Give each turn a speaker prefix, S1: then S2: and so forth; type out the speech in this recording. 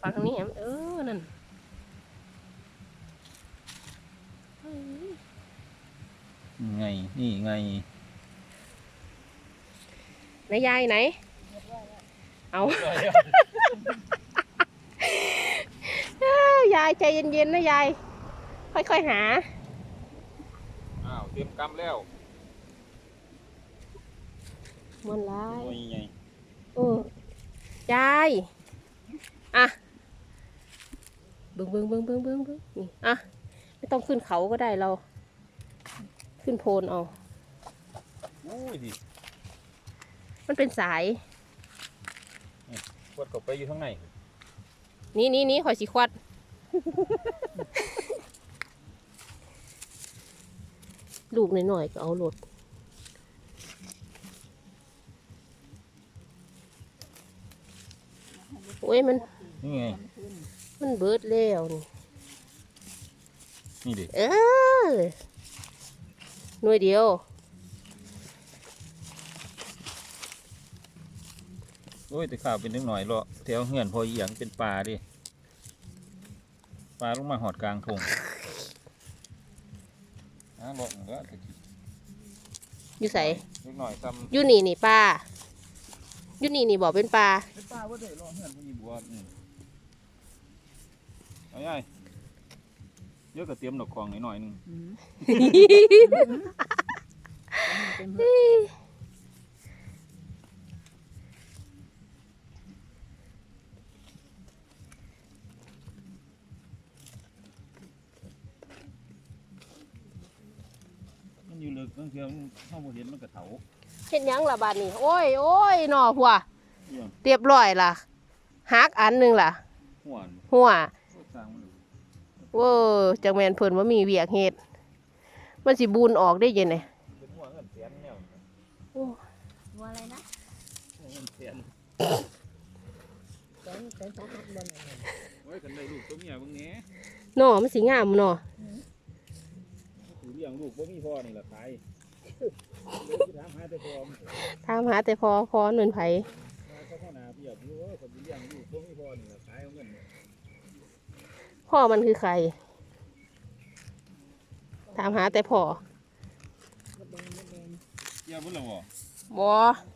S1: ฟังทางนี้นั่น
S2: ไงนี่ไง
S1: ไหนยายไหนเอายายใจเย็นๆนะยายค่อยๆหา
S2: อ้าวเตรียมกำแล้ว
S1: มันร้าย
S2: โอ้ยไง
S1: ยายอ่ะเบิ้งนี่อ่ะไม่ต้องขึ้นเขาก็ได้เราขึ้นโพนเอา
S2: โอ้ยดิ
S1: มันเป็นสาย
S2: ขวดเข้าไปอยู่ข้างใน
S1: นี่ข่อยสิควัด ลูกหน่อยๆก็เอาโหลดโอ้ยมัน
S2: นี่ไง
S1: มันเบิดแล้วนี่
S2: นี่ดิ
S1: หน่วยเดียว
S2: โอ้ยแต่ข้าวเป็นนิดหน่อยเลาะแถวเหือนพอเอียงเป็นปลาดิปลาลงมาหอดกลางทงเลาะมันก็ตะกี้
S1: อยู่ใส่
S2: นิดหน่อยซ้ำ
S1: อยู่นี่ปลาอยู่นี่บอกเป็นปลา
S2: เป็นปลาว่าได้เลาะเหือนพอยีบัวเอาใหญ่เยอะก็เตรียมดอกกองหน่อยนึงมันอยู่ลึกบางทีมันเข้าบ่เห็นมันกระเถา
S1: เห็นยังล่ะบาดนี้โอ้ยหน่อหัว
S2: เนี่ย
S1: เรียบร้อยล่ะหักอันหนึงล่ะ
S2: หัว
S1: หัวจังแมนเพิ่นว่ามีเวียกเฮ็ดมันสิบูนออกได้ยังไง
S2: เป็นหัวเงินเสียนแนว
S1: โอ้
S3: วัวอะไรนะ
S2: หัวเงินเสียน
S3: เป็นสาหัสบนอะไร
S2: ไว้กันได้ลูกตัวเมียบางแหน่
S1: หน่อมันสิงามหน่อ
S2: ถือเลี้ยงลูกบ่มีพ่อนี่แหละขายถามหาแต่พ่อ
S1: ถามหาแต่พอเงินไผ
S2: มาเข้าข้าวนาเพียบอยู่ว่าคนเลี้ยงลูกบ่มีพ่อนี่แหละขายเอาเงิน
S1: พ่อมันคือใครถามหาแต่พ่อ
S2: เกี่ยวบ่ล่ะบ่
S1: บ่